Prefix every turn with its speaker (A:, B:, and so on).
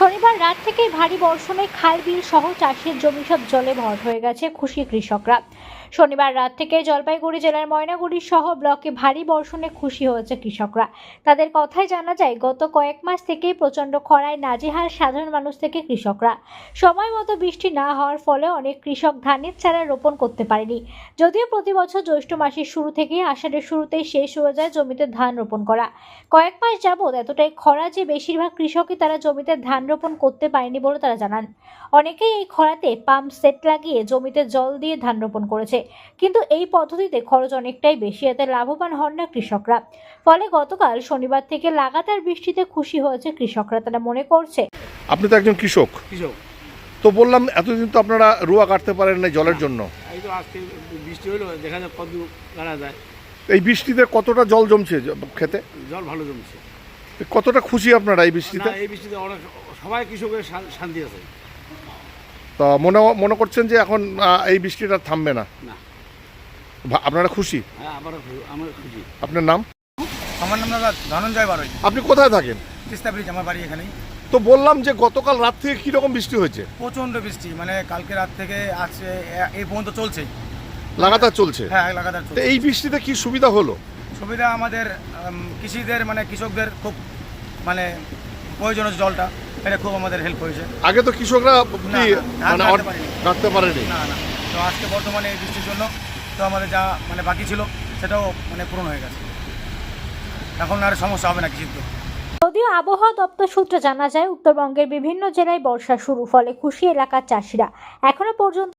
A: শনিবার রাত থেকেই ভারী বর্ষণে খাল বিল সহ চাষের জমি সব জলে ভর হয়ে গেছে, খুশি কৃষকরা। শনিবার রাত থেকে জলপাইগুড়ি জেলার ময়নাগুড়ি সহ ব্লকে ভারী বর্ষণে খুশি হয়েছে কৃষকরা। তাদের কথায় জানা যায়, গত কয়েক মাস থেকেই প্রচণ্ড খরায় নাজেহাল সাধারণ মানুষ থেকে কৃষকরা। সময় মতো বৃষ্টি না হওয়ার ফলে অনেক কৃষক ধানের চারা রোপণ করতে পারেনি। যদিও প্রতি বছর জ্যৈষ্ঠ মাসের শুরু থেকেই আষাঢ়ের শুরুতেই শেষ হয়ে যায় জমিতে ধান রোপণ করা। কয়েক মাস যাবৎ এতটাই খরা যে বেশিরভাগ কৃষকই তারা জমিতে ধান রোপণ করতে পারেনি বলে তারা জানান। অনেকেই এই খরাতে পাম্প সেট লাগিয়ে জমিতে জল দিয়ে ধান রোপণ করেছে, কিন্তু এই পদ্ধতিতে খরচ অনেকটাই বেশি, এতে লাভবান হন না কৃষকরা। ফলে গতকাল শনিবার থেকে লাগাতার বৃষ্টিতে খুশি হয়েছে কৃষকরা। তারা মনে করছে,
B: আপনি তো একজন কৃষক, তো বললাম এতদিন তো আপনারা রুয়া কাটতে পারেন না জলের জন্য।
C: এই তো আজকে বৃষ্টি হলো, দেখা যাক কত কাটা যায়।
B: এই বৃষ্টিতে কতটা জল জমছে খেতে?
C: জল ভালো জমছে।
B: কতটা খুশি আপনারা এই বৃষ্টিতে?
C: এই বৃষ্টিতে অনেক সবাই কৃষকের শান্তি আছে।
B: তো মনে করছেন যে এখন এই বৃষ্টিটা থামবে না?
C: না,
B: আপনারা খুশি?
C: হ্যাঁ, আমরা খুশি।
B: আপনার নাম?
D: আমার নাম দাদা ধনঞ্জয় বারোই।
B: আপনি কোথায় থাকেন?
D: তিস্তা ব্রিজ, আমার বাড়ি এখানেই।
B: তো বললাম যে গতকাল রাত থেকে কিরকম বৃষ্টি হয়েছে?
D: প্রচণ্ড বৃষ্টি, মানে কালকে রাত থেকে আজকে এই পর্যন্ত চলছে,
B: লাগাতার চলছে।
D: হ্যাঁ লাগাতার
B: তো
D: চলছে।
B: এই বৃষ্টিতে কি সুবিধা হলো?
D: সুবিধা আমাদের কৃষিদের মানে কৃষকদের খুব মানে প্রয়োজনীয় জলটা, এটা খুব আমাদের হেল্প হয়েছে।
B: আগে তো কৃষকরা
D: না, ধান
B: মানে
D: কাটতে পারেনি।
B: কাটতে পারেনি।
D: না না, তো আজকে বর্তমানে এই বৃষ্টির জন্য তো আমাদের যা মানে বাকি ছিল সেটাও মানে পূরণ হয়ে গেছে। এখন আর সমস্যা হবে না কৃষিতে।
A: যদিও আবহাওয়া দপ্তর সূত্রে জানা যায়, উত্তরবঙ্গের বিভিন্ন জেলায় বর্ষা শুরু, ফলে খুশি এলাকার চাষিরা। এখনো পর্যন্ত